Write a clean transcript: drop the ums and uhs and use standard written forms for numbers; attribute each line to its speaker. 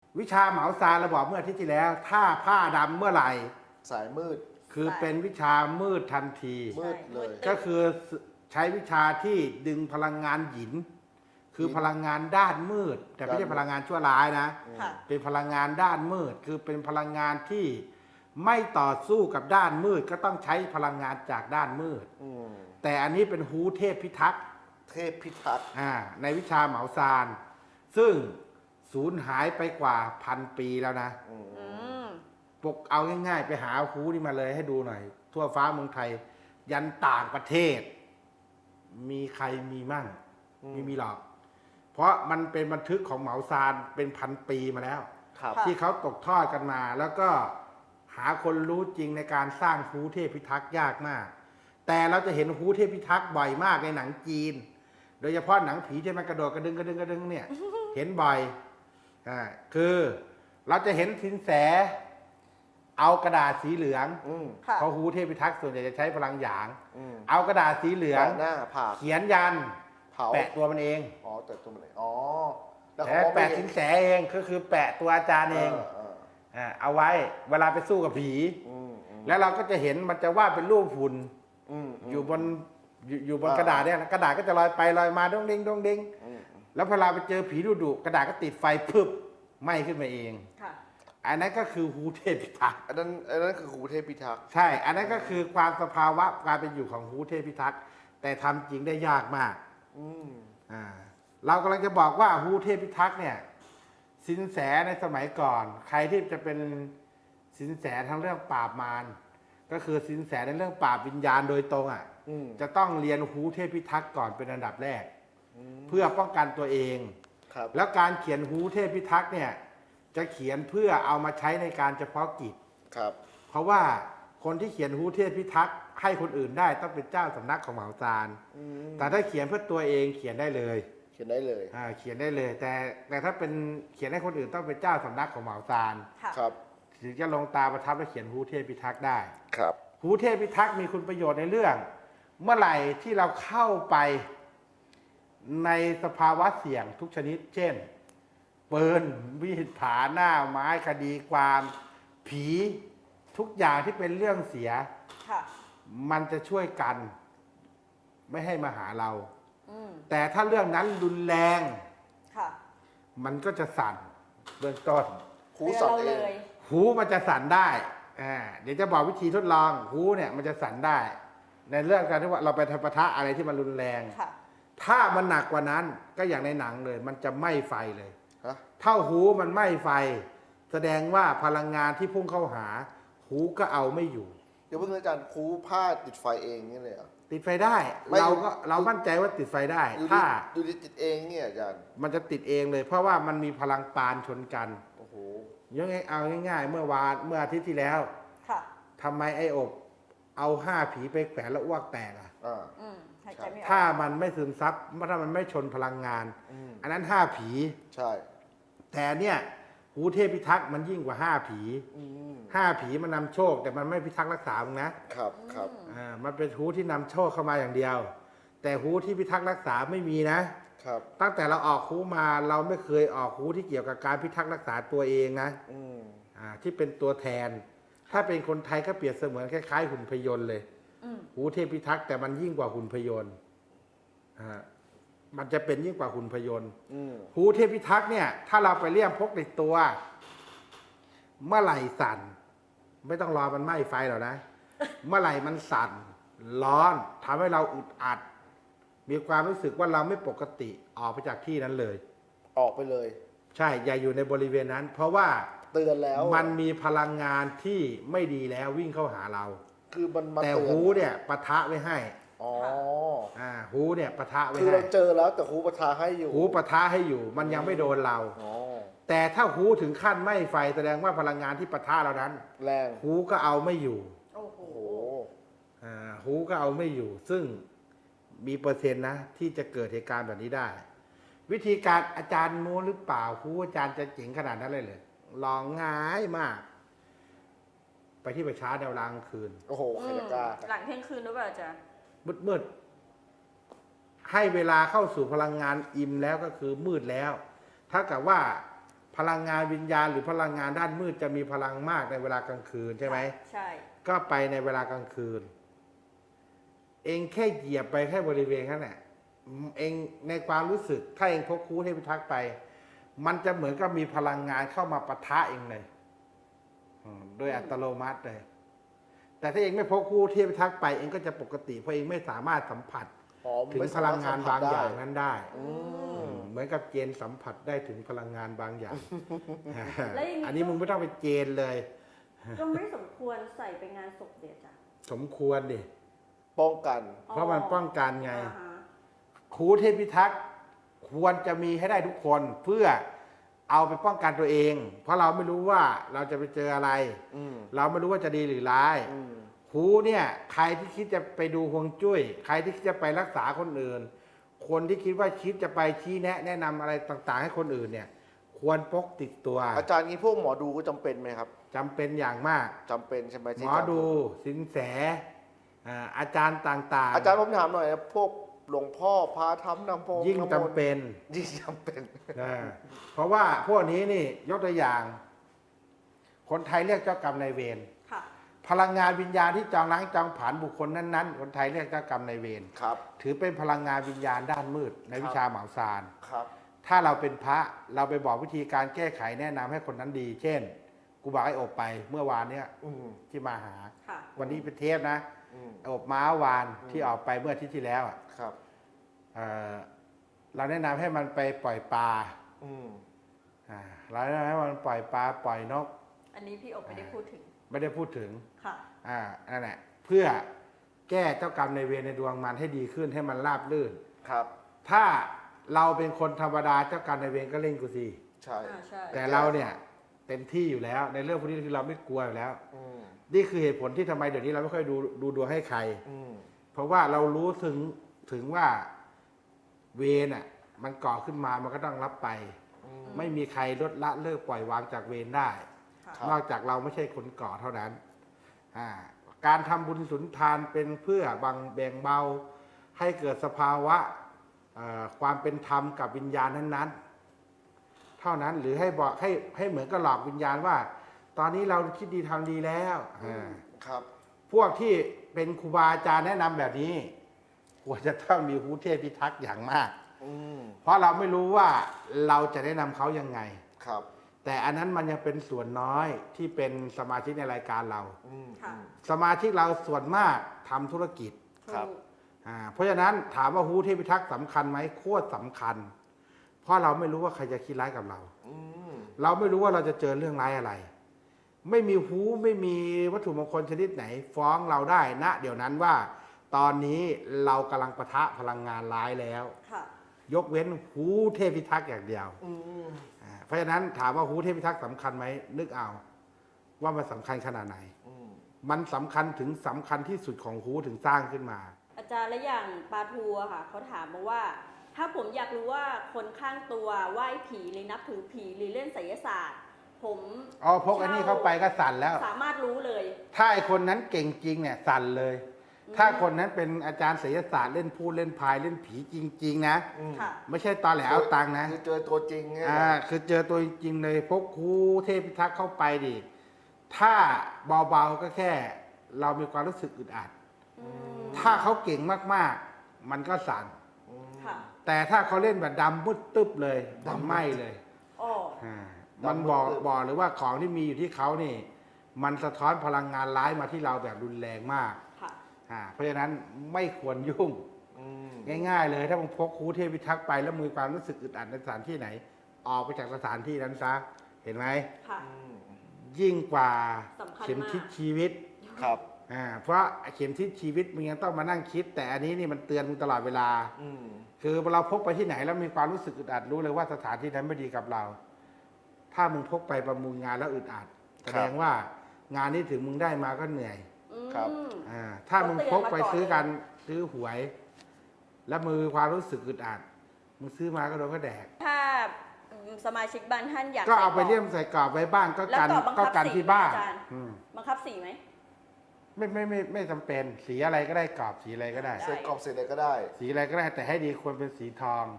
Speaker 1: วิชาเหมาซานเราบอกเมื่ออาทิตย์ที่แล้ว ถ้าผ้าดำเมื่อไหร่
Speaker 2: สายมืด
Speaker 1: คือเป็นวิชามืดทันที
Speaker 2: มืดเลย
Speaker 1: ก็คือใช้วิชาที่ดึงพลังงานหยินคือพลังงานด้านมืด แต่ไม่ใช่พลังงานชั่วร้ายนะเป็นพลังงานด้านมืดคือเป็นพลังงานที่ไม่ต่อสู้กับด้านมืดก็ต้องใช้พลังงานจากด้านมืดแต่อันนี้เป็นฮูเทพพิทักษ์
Speaker 2: เทพพิทักษ์
Speaker 1: ในวิชาเหมาซานซึ่งสูญหายไปกว่า1,000 ปีแล้วนะปกเอาง่ายๆไปหาฮูนี่มาเลยให้ดูหน่อยทั่วฟ้าเมืองไทยยันต่างประเทศมีใครมีมั่งไม่มีหรอกเพราะมันเป็นบันทึกของเหมาซานเป็น1,000 ปีมาแล้วที่เขาตกทอดกันมาแล้วก็หาคนรู้จริงในการสร้างฮูเทพพิทักษ์ยากมากแต่เราจะเห็นฮูเทพพิทักษ์บ่อยมากในหนังจีนโดยเฉพาะหนังผีที่มันกระโดดกระดึงเนี่ย เห็นบ่อยคือเราจะเห็นสินแสเอากระดาษสีเหลืองเพราะฮูเทพพิทักษ์ส่วนใหญ่จะใช้พลังหยางเอากระดาษสีเหลือง
Speaker 2: หน้าผาก
Speaker 1: เขียนยันแปะตัวมันเอง
Speaker 2: แปะตัวมันเอง
Speaker 1: แล้วแปะสินแสเองก็คือแปะตัวอาจารย์เองเอาไว้เวลาไปสู้กับผีแล้วเราก็จะเห็นมันจะวาดเป็นรูปหุ่นอยู่บนกระดาษเนี่ยกระดาษก็จะลอยไปลอยมาดงเด้งดงเด้งแล้วเวลาไปเจอผีดุกระดาษก็ติดไฟพึบไหม้ขึ้นมาเองอันนั้นก็คือฮูเทพพิทักษ์
Speaker 2: อันนั้นคือฮูเทพพิทักษ์
Speaker 1: ใช่อันนั้นก็คือความสภาวะการเป็นอยู่ของฮูเทพพิทักษ์แต่ทำจริงได้ยากมากเรากำลังจะบอกว่าฮูเทพพิทักษ์เนี่ยสินแสในสมัยก่อนใครที่จะเป็นสินแสทั้งเรื่องปราบมารก็คือสินแสในเรื่องปราบวิญญาณโดยตรงจะต้องเรียนฮูเทพพิทักษ์ก่อนเป็นอันดับแรกเพื่อป้องกันตัวเองแล้วการเขียนฮูเทพพิทักษ์เนี่ยจะเขียนเพื่อเอามาใช้ในการเฉพาะกิจเพราะว่าคนที่เขียนฮูเทพพิทักษ์ให้คนอื่นได้ต้องเป็นเจ้าสำนักของเหมาซานแต่ถ้าเขียนเพื่อตัวเองเขียนได้เลย
Speaker 2: เขียนได้
Speaker 1: เลย แต่ถ้าเป็นเขียนให้คนอื่นต้องเป็นเจ้าสำนักของเหมาซานถึงจะลงตาประทับและเขียนฮูเทพพิทักษ์ได้ฮูเทพพิทักษ์มีคุณประโยชน์ในเรื่องเมื่อไหร่ที่เราเข้าไปในสภาวะเสี่ยงทุกชนิดเช่นปืนมีดผาหน้าไม้คดีความผีทุกอย่างที่เป็นเรื่องเสียมันจะช่วยกันไม่ให้มาหาเราแต่ถ้าเรื่องนั้นรุนแรงมันก็จะสั่นเบื้องต้น
Speaker 2: หูสั่นเอง
Speaker 1: หูมันจะสั่นได้เดี๋ยวจะบอกวิธีทดลองหูเนี่ยมันจะสั่นได้ในเรื่องการที่ว่าเราไปทำปะทะอะไรที่มันรุนแรงถ้ามันหนักกว่านั้นก็อย่างในหนังเลยมันจะไหม้ไฟเลยเท่าหูมันไหม้ไฟแสดงว่าพลังงานที่พุ่งเข้าหาหูก็เอาไม่อยู่
Speaker 2: เดี๋ยวเพื่อนอาจารย์หูผ้าติดไฟเองนี่เลย
Speaker 1: ติดไฟได้เรามั่นใจว่าติดไฟได้ถ้า
Speaker 2: ดูติดเองเนี่ยอาจารย์
Speaker 1: มันจะติดเองเลยเพราะว่ามันมีพลังปานชนกันโอ้โหยังไงเอาง่ายๆเมื่ออาทิตย์ที่แล้วทำไมไอ้อบเอา5 ผีไปแขวนแล้วอ้วกแตกถ้ามันไม่ซึมซับถ้ามันไม่ชนพลังงานอันนั้น5 ผี
Speaker 2: ใช่
Speaker 1: แต่เนี่ยฮูเทพพิทักษ์มันยิ่งกว่า5 ผี5 ผีมันนำโชคแต่มันไม่พิทักษ์รักษามึงนะครับมันเป็นฮูที่นำโชคเข้ามาอย่างเดียวแต่ฮูที่พิทักษ์รักษาไม่มีนะครับตั้งแต่เราออกฮูมาเราไม่เคยออกฮูที่เกี่ยวกับการพิทักษ์รักษาตัวเองนะที่เป็นตัวแทนถ้าเป็นคนไทยก็เปรียบเสมือนคล้ายๆหุ่นพยนต์เลยฮูเทพพิทักษ์แต่มันยิ่งกว่าหุ่นพยนต์มันจะเป็นยิ่งกว่าหุ่นพยนต์ฮูเทพพิทักษ์เนี่ยถ้าเราไปเลี่ยมพกในตัวเมื่อไหร่สั่นไม่ต้องรอมันไหม้ไฟหรอกนะเมื่อไหร่มันสั่นร้อนทำให้เราอึดอัดมีความรู้สึกว่าเราไม่ปกติออกไปจากที่นั้นเลย
Speaker 2: ออกไปเลย
Speaker 1: ใช่อย่าอยู่ในบริเวณนั้นเพราะว่า
Speaker 2: เตือนแล้ว
Speaker 1: มันมีพลังงานที่ไม่ดีแล้ววิ่งเข้าหาเรา
Speaker 2: คือมันมา
Speaker 1: แต่ฮูเนี่ยปะทะไว้ให้ฮูเนี่ยปะทะไว้ให้
Speaker 2: คือเราเจอแล้วแต่ฮูปะทะให้อยู่
Speaker 1: ฮูปะทะให้อยู่มันยังไม่โดนเราแต่ถ้าฮูถึงขั้นไหม้ไฟแสดงว่าพลังงานที่ปะทะเรานั้น
Speaker 2: แรง
Speaker 1: ฮูก็เอาไม่อยู่ฮูก็เอาไม่อยู่ซึ่งมีเปอร์เซ็นต์นะที่จะเกิดเหตุการณ์แบบนี้ได้วิธีการอาจารย์มูหรือเปล่าฮูอาจารย์จะเจ๋งขนาดนั้นเลยลองง่ายมากไปที่ประชาแนวรางคืน
Speaker 2: โอ้โหใครจะกล้า
Speaker 3: หลังเที่ยงคืนหรือเปล่าจ๊ะ
Speaker 1: มืดให้เวลาเข้าสู่พลังงานอิ่มแล้วก็คือมืดแล้วถ้ากับว่าพพลังงานวิญญาณหรือพลังงานด้านมืดจะมีพลังมากในเวลากลางคืนใช่ไหม
Speaker 3: ใช่
Speaker 1: ก็ไปในเวลากลางคืน เองแค่เหยียบไปแค่บริเวณนั้นแหละเองในความรู้สึกถ้าเองพกคูเทพิทักษ์ไป มันจะเหมือนกับมีพลังงานเข้ามาปะทะเองเลยโดยอัตโนมัติเลย แต่ถ้าเองไม่พกคูเทพิทักษ์ไปเองก็จะปกติเพราะเองไม่สามารถสัมผัส
Speaker 2: อ๋อ
Speaker 1: ถึง
Speaker 2: ไม่
Speaker 1: พ
Speaker 2: สม
Speaker 1: ลั
Speaker 2: รถ
Speaker 1: งงาน
Speaker 2: สัมผั
Speaker 1: บา
Speaker 2: ส
Speaker 1: งอย่าง
Speaker 2: ได้
Speaker 1: นั้นได้
Speaker 2: อืม
Speaker 1: เหมือนกับเจนสัมผัสได้ถึงพลังงานบางอย่าง
Speaker 3: แล้วอย่างนี้
Speaker 1: อันนี้มึงไม่ต้องไปเจนเลย
Speaker 3: ก็ไม่สมควรใส่ไปงานศพเด็ดจ้ะ
Speaker 1: สมควรดิ
Speaker 2: ป้องกัน
Speaker 1: เพราะมันป้องกันไง
Speaker 3: อ่าฮะ
Speaker 1: คูเทพิทักษ์ควรจะมีให้ได้ทุกคนเพื่อเอาไปป้องกันตัวเอง เพราะเราไม่รู้ว่าเราจะไปเจออะไร
Speaker 2: อืม
Speaker 1: เราไม่รู้ว่าจะดีหรือร้าย
Speaker 2: อืม
Speaker 1: คูเนี่ยใครที่คิดจะไปดูฮวงจุ้ยใครที่คิดจะไปรักษาคนอื่น คนที่คิดว่าคิดจะไปชี้แนะนำอะไรต่างๆ ให้คนอื่นเนี่ย ควรพกติดตัว
Speaker 2: อาจารย์นี้พวกหมอดูก็จำเป็นไหมครับ
Speaker 1: จำเป็นอย่างมาก
Speaker 2: จำเป็นใช่ไหม
Speaker 1: ห
Speaker 2: ที่
Speaker 1: มอดูสินแสอาจารย์ต่างๆ
Speaker 2: อาจารย์ผมถามหน่อยนะพวกหลวงพ่อพาทำนำพง
Speaker 1: ยิ่ง
Speaker 2: ำม
Speaker 1: จำ
Speaker 2: นต์
Speaker 1: เป็น
Speaker 2: ยิ่งจำเป็น
Speaker 1: เพราะว่าพวกนี้นี่ยกตัวอย่าง คนไทยเรียกเจ้ากรรมนายเวร
Speaker 3: ค่ะ
Speaker 1: พลังงานวิญญาณที่จองล้างจองผลาญบุคคลนั้นๆ คนไทยเรียกเจ้ากรรมนายเวร
Speaker 2: ครับ
Speaker 1: ถือเป็นพลังงานวิญญาณด้านมืดในวิชาเหมาซาน
Speaker 2: ครับ
Speaker 1: ถ้าเราเป็นพระเราไปบอกวิธีการแก้ไขแนะนำให้คนนั้นดี เช่น กูบอกให้อบไปเมื่อวานเนี้ย
Speaker 2: อืม
Speaker 1: ที่มาหา
Speaker 3: ค่ะ
Speaker 1: วันนี้เป็นเทปนะ
Speaker 2: อืม
Speaker 1: อบม้าวานที่ออกไปเมื่ออาทิตย์ที่แล้วอะ
Speaker 2: ครับ
Speaker 1: เอ่อเราแนะนำให้มันไปปล่อยปลา
Speaker 2: อืม
Speaker 1: เราแนะนำให้มันปล่อยปลาปล่อยนก
Speaker 3: อันนี้พี่อบไม่ได้พูดถึง
Speaker 1: ไม่ได้พูดถึง
Speaker 3: ค่ะ
Speaker 1: นั่นแหละเพื่อแก้เจ้ากรรมในายเวรในดวงมันให้ดีขึ้นให้มันราบรื่น
Speaker 2: ครับ
Speaker 1: ถ้าเราเป็นคนธรรมดาเจ้ากรรมในายเวรก็เล่นกูสิ
Speaker 2: ใช่
Speaker 3: ใช่
Speaker 1: แต่เราเนี่ยเต็มที่อยู่แล้ว ในเรื่องพวกนี้คือเราไม่กลัวอยู่แล้ว
Speaker 2: อืม
Speaker 1: นี่คือเหตุผลที่ทำไมเดี๋ยวนี้เราไม่ค่อยดูดวงให้ใคร
Speaker 2: อืม
Speaker 1: เพราะว่าเรารู้ถึงว่าเวรน่ะมันก่อขึ้นมามันก็ต้องรับไป
Speaker 2: อืม
Speaker 1: ไม่มีใครลดละเลิกปล่อยวางจากเวรได้
Speaker 3: ค่ะ
Speaker 2: ครับ
Speaker 1: นอกจากเราไม่ใช่คนก่อเท่านั้น การทำบุญสุนทานเป็นเพื่อแบ่งเบา ให้เกิดสภาวะความเป็นธรรมกับวิญญาณนั้นๆ เท่านั้นหรือให้บอกให้เหมือนกับหลอกวิญญาณว่า ตอนนี้เราคิดดีทำดีแล้วอ่า
Speaker 2: ครับ
Speaker 1: พวกที่เป็นครูบาอาจารย์แนะนำแบบนี้ควรจะต้องมีหูเทพพิทักษ์อย่างมาก
Speaker 2: อืม
Speaker 1: เพราะเราไม่รู้ว่าเราจะแนะนำเขายังไง
Speaker 2: ครับ
Speaker 1: แต่อันนั้นมันยังเป็นส่วนน้อยที่เป็นสมาชิกในรายการเรา
Speaker 2: อืม
Speaker 3: ค่ะ
Speaker 1: สมาชิกเราส่วนมากทำธุรกิจ
Speaker 2: ครับ
Speaker 3: ถูก
Speaker 1: เพราะฉะนั้นถามว่าหูเทพิทักษ์สำคัญไหมโคตรสำคัญ เพราะเราไม่รู้ว่าใครจะคิดร้ายกับเรา
Speaker 2: อืม
Speaker 1: เราไม่รู้ว่าเราจะเจอเรื่องร้ายอะไร ไม่มีหูไม่มีวัตถุมงคลชนิดไหน ฟ้องเราได้ณเดี๋ยวนั้นว่า ตอนนี้เรากำลังปะทะพลังงานร้ายแล้ว
Speaker 3: ค่ะ
Speaker 1: ยกเว้นหูเทพิทักษ์อย่างเดียว
Speaker 2: อืม
Speaker 1: เพราะฉะนั้นถามว่าหูเทพิทักษ์สำคัญไหมนึกเอา ว่ามันสำคัญขนาดไหน
Speaker 2: อืม
Speaker 1: มันสำคัญถึงสำคัญที่สุดของหูถึงสร้างขึ้นมา
Speaker 3: อาจารย์และอย่างปาทูอะค่ะเขาถามมาว่า ถ้าผมอยากรู้ว่าคนข้างตัวไหว้ผีหรือนับถือผีหรือเล่นไสยศาสตร์ ผม
Speaker 1: อ๋อพกอันนี้เข้าไปก็สั่นแล้ว
Speaker 3: สามารถรู้เลย
Speaker 1: ถ้าไอคนนั้นเก่งจริงเนี่ยสั่นเลย ถ้าคนนั้นเป็นอาจารย์ศิลศาสตร์เล่นพูดเล่นพายเล่นผีจริง ๆ นะ
Speaker 2: อืม
Speaker 3: ค่ะ
Speaker 1: ไม่ใช่ตอแหลเอาตังค์นะ
Speaker 2: คือเจอตัวจริงไง
Speaker 1: คือเจอตัวจริงๆเลยพกครูเทพิทักษ์เข้าไปดิถ้าเบาๆก็แค่ เรามีความรู้สึกอึดอัด
Speaker 3: อืม
Speaker 1: ถ้าเขาเก่งมากๆ มันก็สั่น
Speaker 2: อืม
Speaker 3: ค่ะ
Speaker 1: แต่ถ้าเขาเล่นแบบดำมืดตึ๊บเลย
Speaker 2: ดำมืด
Speaker 1: ไหม้เลย
Speaker 3: อ๋อ
Speaker 1: มันบอกหรือว่าของที่มีอยู่ที่เขานี่ มันสะท้อนพลังงานร้ายมาที่เราแบบรุนแรงมาก
Speaker 3: ค่ะ
Speaker 1: เพราะฉะนั้นไม่ควรยุ่ง
Speaker 2: อืม
Speaker 1: ง่ายๆเลย ถ้ามึงพกครูเทพิทักษ์ไปแล้วมีความรู้สึกอึดอัดในสถานที่ไหน ออกไปจากสถานที่นั้นซะเห็นไหม
Speaker 3: ค่ะ
Speaker 2: อืม
Speaker 1: ยิ่งกว่า
Speaker 3: สำคัญมาก
Speaker 1: เข็มทิศชีวิต
Speaker 2: ครับ
Speaker 1: เพราะเข็มทิศชีวิตมึงยังต้องมานั่งคิด แต่อันนี้นี่มันเตือนมึงตลอดเวลา
Speaker 2: อืม
Speaker 1: คือเราพกไปที่ไหนแล้วมีความรู้สึกอึดอัดรู้เลยว่าสถานที่นั้นไม่ดีกับเรา ถ้ามึงพกไปประมูลงานแล้วอึดอัดแสดงว่างานนี้ถึงมึงได้มาก็เหนื่อย
Speaker 3: อืม
Speaker 2: ครับ
Speaker 1: ถ้ามึงพกไป
Speaker 3: ก็เตือนมาก่อน
Speaker 1: ซื้อกันซื้อหวย แล้วมือความรู้สึกอึดอัดมึงซื้อมาก็โดนก็แดก
Speaker 3: ถ้าสมาชิกบางท่านอยาก
Speaker 1: ก็เอาไป
Speaker 3: ใส่กรบ
Speaker 1: เลี่ยมใส่กรอบไว้บ้างก็
Speaker 3: แล้ว
Speaker 1: กัน
Speaker 3: กรอบบังคั
Speaker 1: ก็
Speaker 3: บ
Speaker 1: กัน
Speaker 3: สี
Speaker 1: ที่บ้าน
Speaker 3: อาจารย์
Speaker 1: อืม
Speaker 3: บังคับสีไหม
Speaker 1: ไม่จำเป็นสีอะไรก็ได้กรอบสีอะไรก็ได้
Speaker 3: ได้
Speaker 2: ใส่กรอบเสร็จเลยก็ได้
Speaker 1: สีอะไรก็ได้แต่ให้ดีควรเป็นสีทอง